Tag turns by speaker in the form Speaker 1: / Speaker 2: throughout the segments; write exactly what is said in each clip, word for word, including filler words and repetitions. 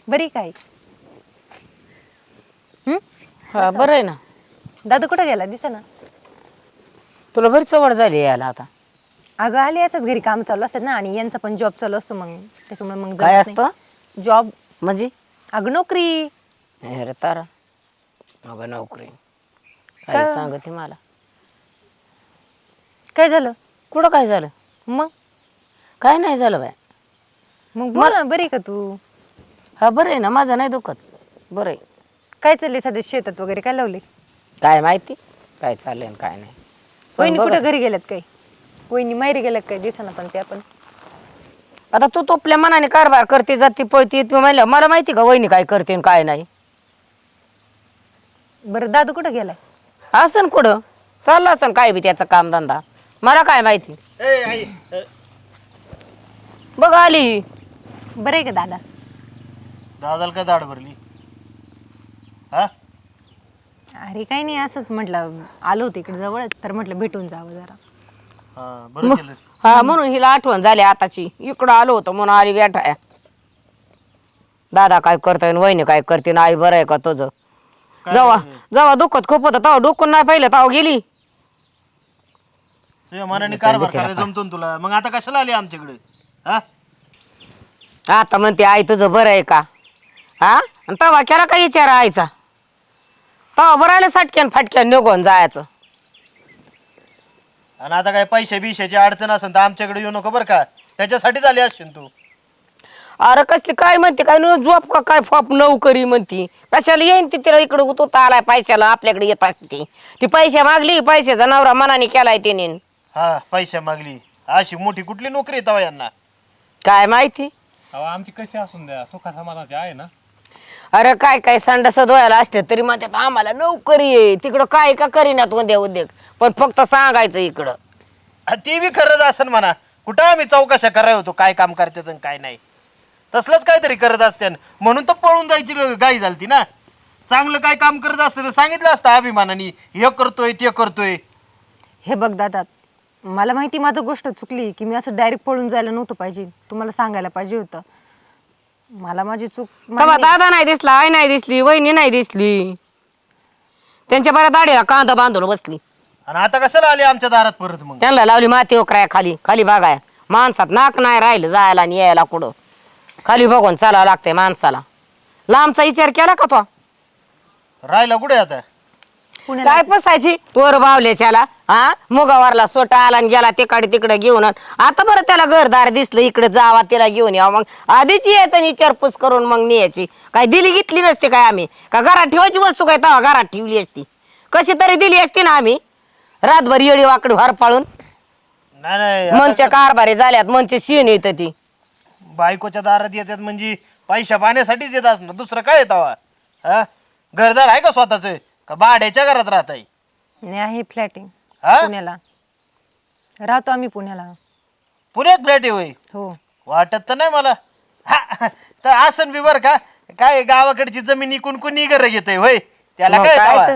Speaker 1: बरी काय? हं?
Speaker 2: हा बरं आहे ना.
Speaker 1: दादू कुठं गेला दिसेना.
Speaker 2: तुला बरीच सवड झाली यायला आता.
Speaker 1: अगं आली असंच घरी काम चालू असतात ना आणि यांचा पण जॉब चालू असतो मग त्याच्यामुळे मग
Speaker 2: काय
Speaker 1: जमत
Speaker 2: असतं
Speaker 1: नाही. जॉब
Speaker 2: म्हणजे?
Speaker 1: अगं नोकरी.
Speaker 2: अरे तारा अगं नोकरी
Speaker 1: का
Speaker 2: काय सांगते मला.
Speaker 1: काय झालं?
Speaker 2: कुठं काय झालं?
Speaker 1: मग
Speaker 2: काय नाही झालं बाय.
Speaker 1: मग बोल ना, बरी का तू?
Speaker 2: हा बरं आहे ना, माझं नाही दुखत. बरं आहे.
Speaker 1: काय चाललंय सध्या शेतात वगैरे काय लावले?
Speaker 2: काय माहिती काय चाललंय आणि काय नाही. पण
Speaker 1: वहिनी
Speaker 2: बघ
Speaker 1: कुठं घरी गेल्यात काय? वहिनी माहेरी गेल्यात काय दिसेना पण त्या पण.
Speaker 2: आता तू तो आपल्या मनाने कारभार करते जाती पळती तू म्हणलं मला माहिती का वहिनी काय करते आणि काय नाही.
Speaker 1: बरं दादू कुठं गेलाय?
Speaker 2: असन कुठं चाललं असन काय बी त्याचं कामधंदा, मला काय माहिती.
Speaker 3: ए आई अ,
Speaker 2: बघ आली.
Speaker 1: बरं आहे का दादा?
Speaker 3: दादाला काय दाढ भरली? हा
Speaker 1: अरे काही नाही, असंच म्हटलं आलो होते इकडे जवळच तर म्हटलं भेटून जावं जरा.
Speaker 3: हा बरं केलं.
Speaker 2: हा म्हणून हिला आठवण झाली आताची. इकडं आलो होतो म्हणून आली बेठाया. दादा काय करतोय आणि वहिनी काय करते ना आई बरं आहे का तुझं?
Speaker 3: काय
Speaker 2: जेव्हा
Speaker 3: झालं?
Speaker 2: जेव्हा दुखत खूप होतं तेव्हा डोकून नाही पाहिलं तेव्हा गेली.
Speaker 3: तुझ्या मनाने कारभार करायला जमतो ना तुला, मग आता कशाला आली आमच्याकडे? हा
Speaker 2: आता म्हणते आई तुझं बरं आहे का? हा आणि तेव्हा केला काय विचार आईचा? तेव्हा बरं आलं सटक्यान फाटक्यान निघून जायचं.
Speaker 3: आणि आता काय पैशा बिशाची अडचण असेल तर आमच्याकडे येऊ नको बरं का, त्याच्यासाठीच आली असशील तू.
Speaker 2: अरे कसली काय म्हणते काय न झोप का काय फॉप नोकरी म्हणती कशाला येईन ती तिला इकडं तो आलाय पैशाला आपल्याकडे येत असते ती पैसे मागली पैशाचा नवरा मनाने केलाय तिने.
Speaker 3: हा पैसा मागली अशी मोठी कुठली नोकरी आहे तेव्हा यांना?
Speaker 2: काय माहिती.
Speaker 4: अहो आमची कशी असून द्या सुखा समाधानाची आहे ना.
Speaker 2: अरे काय काय संडास धुवायला असते तरी म्हणतात आम्हाला नोकरी आहे तिकडं काय का करीनात उद्या उद्योग पण फक्त सांगायचं इकडं.
Speaker 3: हा, ती बी खरंच असेल म्हणा. कुठं आम्ही चौकशा कराय होतो काय काम करतात आणि काय नाही, तसलंच काहीतरी करत असते म्हणून तर पळून जायची गाई झालती ना. चांगलं काय काम करत असते तर सांगितलं असतं अभिमानाने हे करतोय ते करतोय.
Speaker 1: हे बघ दादा, मला माहिती माझं गोष्ट चुकली की मी असं डायरेक्ट पळून जायला नव्हतं पाहिजे, तुम्हाला सांगायला पाहिजे होतं. मला माझी चूक
Speaker 2: तेव्हा
Speaker 1: मान्य आहे.
Speaker 2: दादा नाही दिसला आई नाही दिसली वहिनी नाही दिसली त्यांच्या बऱ्या दाढीला कांदा बांधून बसली
Speaker 3: आणि आता कशाला आली आमच्या दारात परत? मग
Speaker 2: त्यांना लावली माती ओकराय खाली खाली बघाय माणसात नाक नाही राहिलं जायला आणि यायला कुठं खाली बघून चालावं लागतंय माणसाला. लांबचा विचार केला का तो?
Speaker 3: राहिला कुठे आता?
Speaker 1: पुण्याला
Speaker 2: काय पसायची वर बावल्याच्याला हा मुगावारला सोटा आला आणि गेला तिकडे तिकडे घेऊन आता बरं त्याला घरदार दिसलं इकडे जावा तिला घेऊन यावं मग आधीच यायचं आणि विचारपूस करून मग न्यायची. काय दिली घेतली नसते काय आम्ही का घरात ठेवायची वस्तू काय तेव्हा घरात ठेवली असती कशी तरी दिली असती ना आम्ही रातभर येडी वाकडी हर पाळून.
Speaker 3: नाही नाही आता
Speaker 2: मनच्या कारभारी झाल्यात मनचे शेण येत ती
Speaker 3: बायकोच्या दारात येतात म्हणजे पैशा पाण्यासाठीच येत असणार, दुसरं काय येतावा? हा घरदार आहे का स्वतःच का भाड्याच्या घरात राहत आहे?
Speaker 1: नाही आहे फ्लॅटिंग
Speaker 3: हा?
Speaker 1: पुण्याला राहतो आम्ही पुण्याला.
Speaker 3: पुण्यात फ्लॅट आहे होय?
Speaker 1: हो
Speaker 3: वाटत तर नाही मला. हा, तर आसन बी बर का काय गावाकडची जमीन इकून कुणी घर घेतय होय त्याला
Speaker 2: मग
Speaker 3: काय
Speaker 2: काय
Speaker 3: येतावा?
Speaker 2: तर.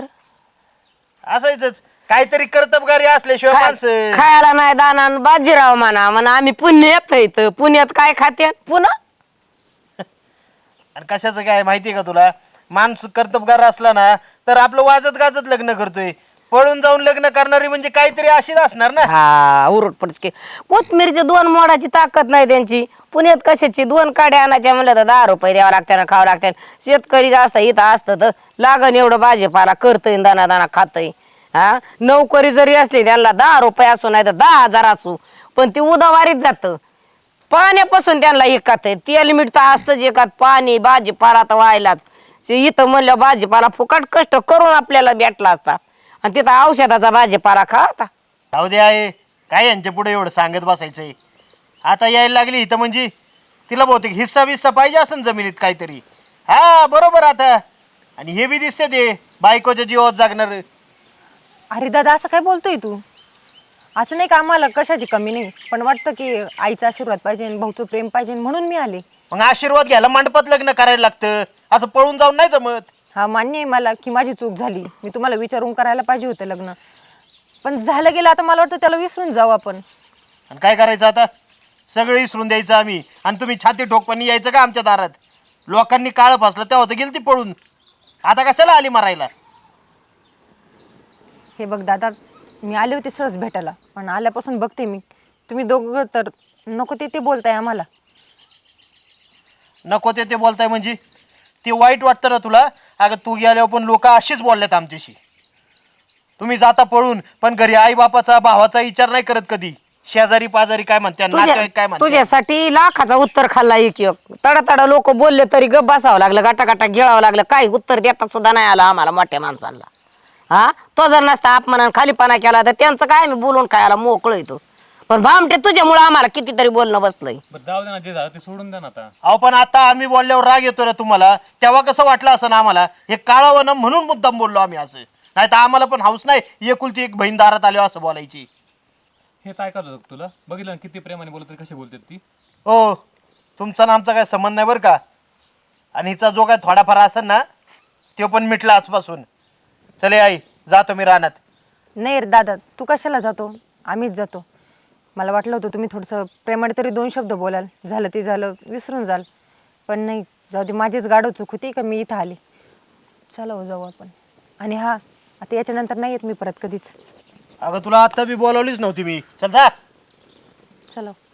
Speaker 3: असायचंच काहीतरी कर्तबगारी असल्याशिवाय
Speaker 2: खाय-
Speaker 3: माणसं.
Speaker 2: खायला नाही दाना आणि बाजीराव म्हणा म्हणा आम्ही पुण्यात इथं पुण्यात काय खाते पुन्हा
Speaker 3: आणि कशाचं काय माहितीये का तुला? माणूस कर्तबगार असला ना तर आपलं वाजत गाजत लग्न करतोय. पळून जाऊन लग्न करणारी म्हणजे काहीतरी अशीच असणार ना.
Speaker 2: हा उरट पडचके कोथमिरीची दोन मोडाची ताकद नाही त्यांची. पुण्यात कशाची दोन काड्या आणायच्या म्हणलं तर दहा रुपये द्यावं लागते ना खावं लागते. शेतकरी असतं इथं असतं तर लागन एवढं भाजीपाला करतय दाना दाना खातय. हा नोकरी जरी असली त्यांना दहा रुपये असू नाही तर दहा हजार असू पण ती उदावारीत जातं पाण्यापासून त्यांना एकात आहे तेल मीठ तर असतंच एकात पाणी भाजीपाला तर व्हायलाच. इथं म्हणलं भाजीपाला फुकट कष्ट करून आपल्याला भेटला असता आणि तिथं औषधाचा भाजीपाला खा आता.
Speaker 3: जाऊ दे आहे काय यांच्या पुढे एवढं सांगत बसायचंय. आता यायला लागली इथं म्हणजे तिला बहुतेक हिस्सा बिस्सा पाहिजे असेल जमिनीत काहीतरी. हा बरोबर आता. आणि हे बी दिसते ते बायकोच्या जीवावर जागणार.
Speaker 1: अरे दादा असं काय बोलतोय तू? असं नाही का आम्हाला कशाची कमी नाही पण वाटतं की आईचा आशीर्वाद पाहिजे आणि भाऊचं प्रेम पाहिजे म्हणून मी आले.
Speaker 3: मग आशीर्वाद घ्यायला मंडपात लग्न करायला लागतं, असं पळून जाऊन नाही जमत.
Speaker 1: हा मान्य आहे मला की माझी चूक झाली, मी तुम्हाला विचारून करायला पाहिजे होतं लग्न, पण झालं गेलं आता मला वाटतं त्याला विसरून जाऊ आपण.
Speaker 3: आणि काय करायचं आता? सगळं विसरून द्यायचं आम्ही आणि तुम्ही छाती ठोकपणी यायचं का आमच्या दारात? लोकांनी काळ फासलं तेव्हा तर गेली ती पळून. आता कशाला आली मारायला?
Speaker 1: हे बघ दादा, मी आले होते सहज भेटायला, पण आल्यापासून बघते मी तुम्ही दोघं तर नको ते ते बोलताय आम्हाला.
Speaker 3: नको ते ते बोलताय म्हणजे ते वाईट वाटतं ना तुला? अगं तू गेल्यावर पण लोक अशीच बोलल्यात आमच्याशी. तुम्ही जाता पळून पण घरी आई बापाचा भावाचा विचार नाही करत कधी. शेजारी पाजारी काय म्हणतात, नातेवाईक काय म्हणतात.
Speaker 2: तुझ्यासाठी लाखाचा उत्तर खाल्ला एक एक. तडा तडा लोक बोलले तरी गप बसावं लागलं, गाटा गाटा गिळावं लागलं. काही उत्तर देता सुद्धा नाही आला आम्हाला मोठ्या माणसांना. हा, तो जर नसता अपमान खालीपणा केला तर त्यांचं काय आम्ही बोलून खायला मोकळं येतो. पण भामटे तुझ्यामुळे आम्हाला कितीतरी बोलणं बसलंय.
Speaker 4: बरं जाऊ दे ना, जे झालं ते सोडून द्या ना आता.
Speaker 3: अहो पण आता आम्ही बोलल्यावर राग येतो ना तुम्हाला, तेव्हा कसं वाटलं असं ना आम्हाला? हे काळावं ना म्हणून मुद्दाम बोललो आम्ही असं. नाही तर आम्हाला पण हाऊस नाही एकुलती एक बहीण दारात आलो असं बोलायची.
Speaker 4: हे काय करत होतं तुला? बघितलं ना किती प्रेमाने बोलत तरी कशी बोलतात ती.
Speaker 3: हो, तुमचा ना आमचा काय संबंध नाही बरं का. आणि हिचा जो काय थोडाफार असेल ना तो पण मिटला आजपासून. चले आई, जातो मी रानात.
Speaker 1: नाही रे दादा, तू कशाला जातो? आम्हीच जातो. मला वाटलं होतं तुम्ही थोडंसं प्रेमाने तरी दोन शब्द बोलाल, झालं ते झालं विसरून जाल. पण नाही, जाऊ दे, माझीच गाडव चूक होती का मी इथं आली. चला हो, जाऊ आपण. आणि हा, आता याच्यानंतर नाही येत मी परत कधीच.
Speaker 3: अगं तुला आता बी बोलावलीच नव्हती मी. चल जा.
Speaker 1: चलो.